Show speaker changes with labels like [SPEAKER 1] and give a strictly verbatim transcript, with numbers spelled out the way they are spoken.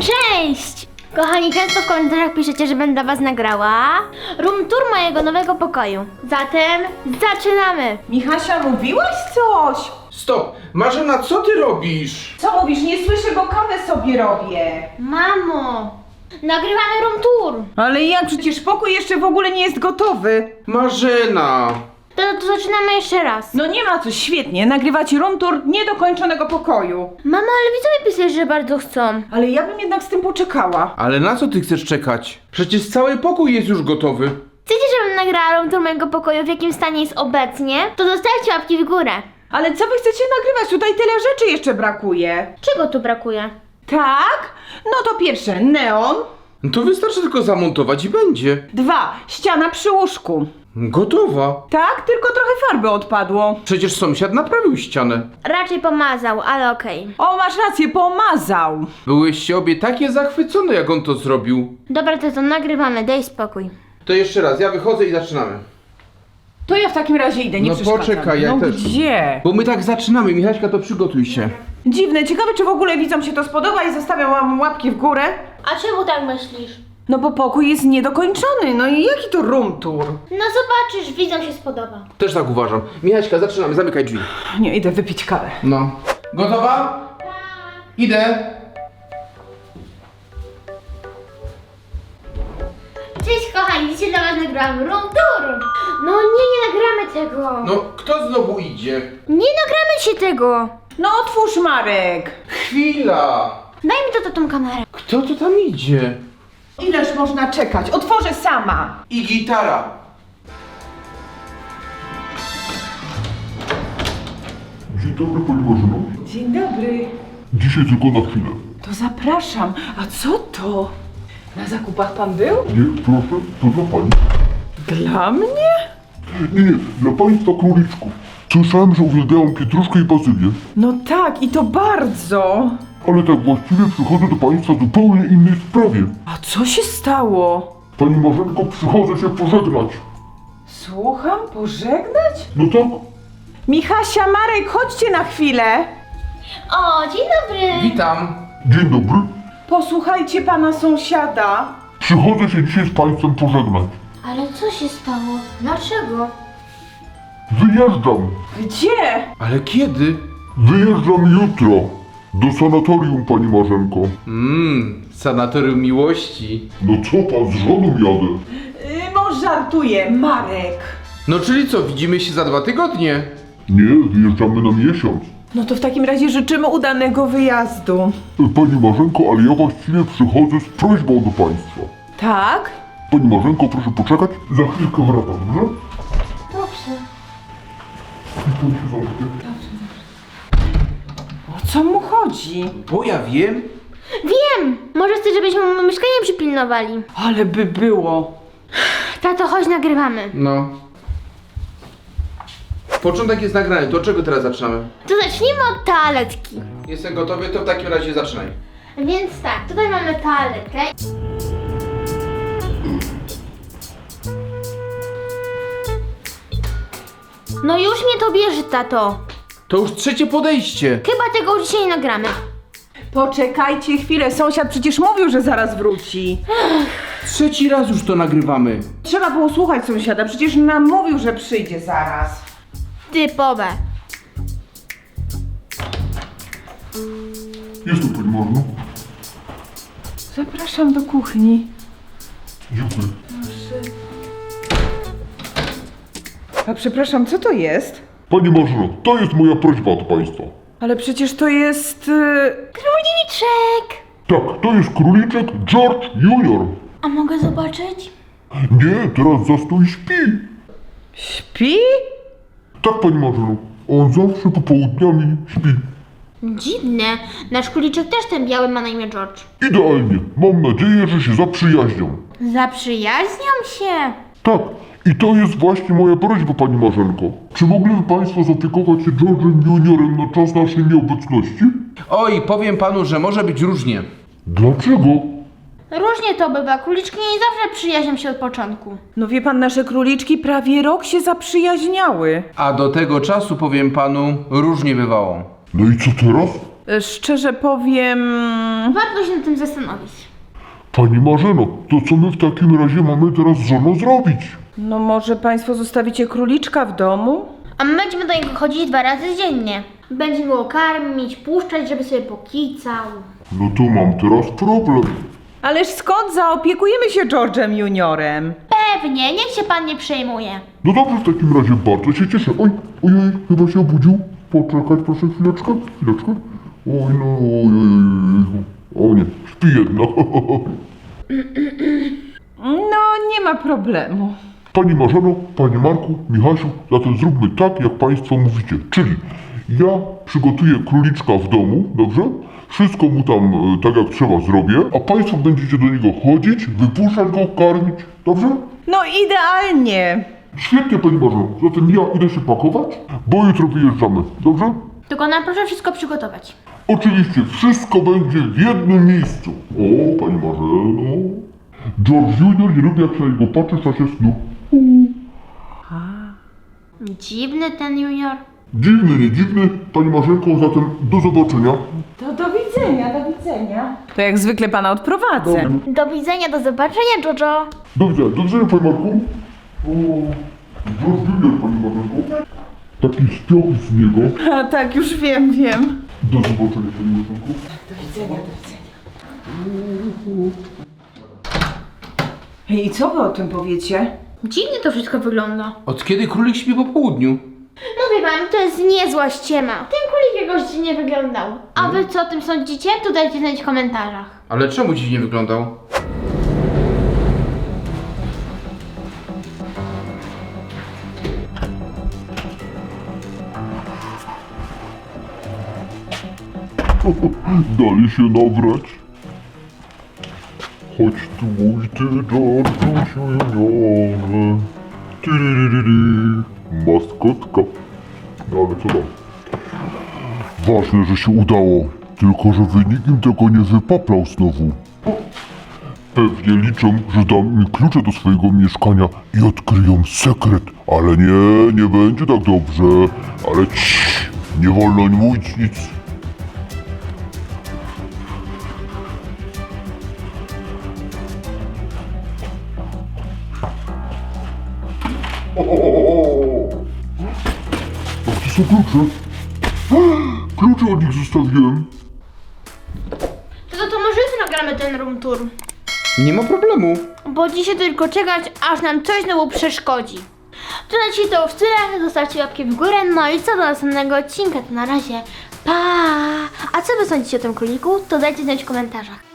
[SPEAKER 1] Cześć! Kochani, często w komentarzach piszecie, że będę was nagrała room tour mojego nowego pokoju. Zatem zaczynamy!
[SPEAKER 2] Michasia, mówiłaś coś?
[SPEAKER 3] Stop! Marzena, co ty robisz?
[SPEAKER 2] Co mówisz? Nie słyszę, bo kawę sobie robię.
[SPEAKER 1] Mamo! Nagrywamy room tour!
[SPEAKER 2] Ale jak? Przecież pokój jeszcze w ogóle nie jest gotowy.
[SPEAKER 3] Marzena!
[SPEAKER 1] To, to zaczynamy jeszcze raz.
[SPEAKER 2] No nie ma co, świetnie. Nagrywacie room tour niedokończonego pokoju.
[SPEAKER 1] Mamo, ale widzowie pisali, że bardzo chcą.
[SPEAKER 2] Ale ja bym jednak z tym poczekała.
[SPEAKER 3] Ale na co ty chcesz czekać? Przecież cały pokój jest już gotowy.
[SPEAKER 1] Chcecie, żebym nagrała room tour mojego pokoju, w jakim stanie jest obecnie? To zostawcie łapki w górę.
[SPEAKER 2] Ale co wy chcecie nagrywać? Tutaj tyle rzeczy jeszcze brakuje.
[SPEAKER 1] Czego tu brakuje?
[SPEAKER 2] Tak? No to pierwsze, neon.
[SPEAKER 3] No to wystarczy tylko zamontować i będzie.
[SPEAKER 2] Dwa, ściana przy łóżku.
[SPEAKER 3] Gotowa.
[SPEAKER 2] Tak, tylko trochę farby odpadło.
[SPEAKER 3] Przecież sąsiad naprawił ścianę.
[SPEAKER 1] Raczej pomazał, ale okej.
[SPEAKER 2] O, masz rację, pomazał.
[SPEAKER 3] Byłyście obie takie zachwycone, jak on to zrobił.
[SPEAKER 1] Dobra, to to nagrywamy, daj spokój.
[SPEAKER 3] To jeszcze raz, ja wychodzę i zaczynamy.
[SPEAKER 2] To ja w takim razie idę, nie
[SPEAKER 3] No
[SPEAKER 2] przeszkadzam.
[SPEAKER 3] poczekaj, ja
[SPEAKER 2] no
[SPEAKER 3] też.
[SPEAKER 2] gdzie?
[SPEAKER 3] Bo my tak zaczynamy, Michaśka, to przygotuj się.
[SPEAKER 2] Dziwne, ciekawe czy w ogóle widzom się to spodoba i zostawiam wam łapki w górę.
[SPEAKER 1] A czemu tak myślisz?
[SPEAKER 2] No bo pokój jest niedokończony, no i jaki to room tour?
[SPEAKER 1] No zobaczysz, widzom się spodoba.
[SPEAKER 3] Też tak uważam. Michaśka, zaczynamy, zamykaj drzwi.
[SPEAKER 2] Nie, idę wypić kawę.
[SPEAKER 3] No. Gotowa? Idę.
[SPEAKER 1] Cześć kochani, dzisiaj dla was nagrałam room tour. No nie, nie nagramy tego.
[SPEAKER 3] No, kto znowu idzie?
[SPEAKER 1] Nie nagramy się tego.
[SPEAKER 2] No otwórz, Marek!
[SPEAKER 3] Chwila!
[SPEAKER 1] Daj mi to, to tą kamerę.
[SPEAKER 3] Kto to tam idzie?
[SPEAKER 2] Ileż można czekać? Otworzę sama!
[SPEAKER 3] I gitara.
[SPEAKER 4] Dzień dobry Pani Marzeno.
[SPEAKER 2] Dzień dobry.
[SPEAKER 4] Dzisiaj tylko na chwilę.
[SPEAKER 2] To zapraszam. A co to? Na zakupach pan był?
[SPEAKER 4] Nie, proszę, to dla Pani.
[SPEAKER 2] Dla mnie?
[SPEAKER 4] Nie, nie, dla Państwa króliczków. Słyszałem, że uwielbiają pietruszkę i bazylię,
[SPEAKER 2] No tak, i to bardzo.
[SPEAKER 4] ale tak właściwie przychodzę do Państwa w zupełnie innej sprawie.
[SPEAKER 2] A co się stało?
[SPEAKER 4] Pani Marzenko, przychodzę się pożegnać.
[SPEAKER 2] Słucham, pożegnać?
[SPEAKER 4] No tak,
[SPEAKER 2] Michasia, Marek, chodźcie na chwilę.
[SPEAKER 1] O, dzień dobry.
[SPEAKER 3] Witam.
[SPEAKER 4] dzień dobry.
[SPEAKER 2] Posłuchajcie pana sąsiada.
[SPEAKER 4] Przychodzę się dzisiaj z Państwem pożegnać.
[SPEAKER 1] Ale co się stało? Dlaczego?
[SPEAKER 4] Wyjeżdżam.
[SPEAKER 2] Gdzie?
[SPEAKER 3] Ale kiedy?
[SPEAKER 4] Wyjeżdżam jutro. Do sanatorium, Pani Marzenko.
[SPEAKER 3] Mmm, sanatorium miłości.
[SPEAKER 4] No co Pan, z żoną jadę.
[SPEAKER 2] Yy, no żartuję, Marek.
[SPEAKER 3] No czyli co, widzimy się za dwa tygodnie?
[SPEAKER 4] Nie, wyjeżdżamy na miesiąc.
[SPEAKER 2] No to w takim razie życzymy udanego wyjazdu.
[SPEAKER 4] Pani Marzenko, ale ja właściwie przychodzę z prośbą do Państwa.
[SPEAKER 2] Tak?
[SPEAKER 4] Pani Marzenko, proszę poczekać. Za chwilkę wracam, dobrze?
[SPEAKER 1] Dobrze.
[SPEAKER 4] I pan się zamknie.
[SPEAKER 2] O co mu chodzi?
[SPEAKER 3] Bo ja wiem.
[SPEAKER 1] Wiem! Może chcesz, żebyśmy mu mieszkanie przypilnowali.
[SPEAKER 2] Ale by było.
[SPEAKER 1] Tato, chodź, nagrywamy.
[SPEAKER 3] No. Początek jest nagrany, to od czego teraz zaczynamy?
[SPEAKER 1] To zacznijmy od toaletki.
[SPEAKER 3] Jestem gotowy, to w takim razie zaczynaj.
[SPEAKER 1] Więc tak, tutaj mamy toaletkę. No już mnie to bierze, tato.
[SPEAKER 3] To już trzecie podejście.
[SPEAKER 1] Chyba tego już dzisiaj nie nagramy.
[SPEAKER 2] Poczekajcie chwilę, sąsiad przecież mówił, że zaraz wróci.
[SPEAKER 3] Trzeci raz już to nagrywamy.
[SPEAKER 2] Trzeba było słuchać sąsiada, przecież nam mówił, że przyjdzie zaraz.
[SPEAKER 1] Typowe.
[SPEAKER 4] Jestem Pani Marzeno.
[SPEAKER 2] Zapraszam do kuchni.
[SPEAKER 4] Dziękuję.
[SPEAKER 2] A przepraszam, co to jest?
[SPEAKER 4] Pani Marzeno, to jest moja prośba do Państwa.
[SPEAKER 2] Ale przecież to jest... Yy...
[SPEAKER 1] Króliczek!
[SPEAKER 4] Tak, to jest króliczek George junior
[SPEAKER 1] A mogę zobaczyć?
[SPEAKER 4] Nie, teraz za stół śpi.
[SPEAKER 2] Śpi?
[SPEAKER 4] Tak, Pani Marzeno, on zawsze popołudniami śpi.
[SPEAKER 1] Dziwne. Nasz króliczek też ten biały ma na imię George.
[SPEAKER 4] Idealnie. Mam nadzieję, że się zaprzyjaźnią.
[SPEAKER 1] Zaprzyjaźnią się.
[SPEAKER 4] Tak, i to jest właśnie moja prośba, Pani Marzenko. Czy mogliby Państwo zaopiekować się George'em juniorem na czas naszej nieobecności?
[SPEAKER 3] Oj, powiem panu, że może być różnie.
[SPEAKER 4] Dlaczego?
[SPEAKER 1] Różnie to bywa. Króliczki nie zawsze przyjaźnią się od początku.
[SPEAKER 2] No wie pan, nasze króliczki prawie rok się zaprzyjaźniały.
[SPEAKER 3] A do tego czasu, powiem panu, różnie bywało.
[SPEAKER 4] No i co teraz?
[SPEAKER 2] E, Szczerze powiem...
[SPEAKER 1] Warto się nad tym zastanowić.
[SPEAKER 4] Pani Marzeno, to co my w takim razie mamy teraz z żoną zrobić?
[SPEAKER 2] No może państwo zostawicie króliczka w domu?
[SPEAKER 1] A my będziemy do niego chodzić dwa razy dziennie. Będziemy go karmić, puszczać, żeby sobie pokicał.
[SPEAKER 4] No to mam teraz problem.
[SPEAKER 2] Ależ skąd zaopiekujemy się George'em juniorem?
[SPEAKER 1] Pewnie, niech się pan nie przejmuje.
[SPEAKER 4] No dobrze, w takim razie bardzo się cieszę. Oj, ojej, chyba się obudził. Poczekać proszę chwileczkę, chwileczkę. Oj, no, oj, oj, oj. O nie, śpi jedna.
[SPEAKER 2] No nie ma problemu.
[SPEAKER 4] Pani Marzeno, Panie Marku, Michasiu, zatem zróbmy tak, jak Państwo mówicie. Czyli ja przygotuję króliczka w domu, dobrze? Wszystko mu tam e, tak jak trzeba zrobię, a Państwo będziecie do niego chodzić, wypuszczać go, karmić, dobrze?
[SPEAKER 2] No idealnie.
[SPEAKER 4] Świetnie, Pani Marzeno. Zatem ja idę się pakować, bo jutro wyjeżdżamy, dobrze?
[SPEAKER 1] Tylko nam proszę wszystko przygotować.
[SPEAKER 4] Oczywiście, wszystko będzie w jednym miejscu. O, Pani Marzeno. George junior nie lubi, jak się na niego patrzy w czasie snu.
[SPEAKER 1] Dziwny ten junior.
[SPEAKER 4] Dziwny, nie dziwny, Pani Marzenko, zatem do zobaczenia.
[SPEAKER 2] To do widzenia, do widzenia. To jak zwykle pana odprowadzę.
[SPEAKER 1] Do widzenia, do zobaczenia, Jojo.
[SPEAKER 4] Do widzenia, do widzenia, Panie Marku. O, George junior, Pani Marzenko. Taki śpioch z niego.
[SPEAKER 2] A tak, już wiem, wiem.
[SPEAKER 4] Do zobaczenia, Pani Marzenko.
[SPEAKER 2] Do widzenia, do widzenia. I co wy o tym powiecie?
[SPEAKER 1] Dziwnie to wszystko wygląda.
[SPEAKER 3] Od kiedy królik śpi po południu?
[SPEAKER 1] Mówię wam, to jest niezła ściema. Ten królik jakoś dziwnie wyglądał. A wy co o tym sądzicie? To dajcie znać w komentarzach.
[SPEAKER 3] Ale czemu dziś nie wyglądał?
[SPEAKER 4] Dali się nabrać. Chodź tu mój ty, George'u juniorze. Tyryryryry. Maskotka. No ale co tam? Ważne, że się udało. Tylko, że nikim tego nie wypaplał znowu. Pewnie liczą, że dam im klucze do swojego mieszkania i odkryją sekret. Ale nie, nie będzie tak dobrze. Ale ciii, nie wolno im mówić nic. A gdzie są klucze? Klucze od nich zostawiłem.
[SPEAKER 1] To, to, to może jutro nagramy ten room tour.
[SPEAKER 3] Nie ma problemu.
[SPEAKER 1] Bo dzisiaj tylko czekać, aż nam coś znowu przeszkodzi. To na dzisiaj to już tyle. Zostawcie łapki w górę. No i co do następnego odcinka, to na razie pa! A co wy sądzicie o tym króliku? To dajcie znać w komentarzach.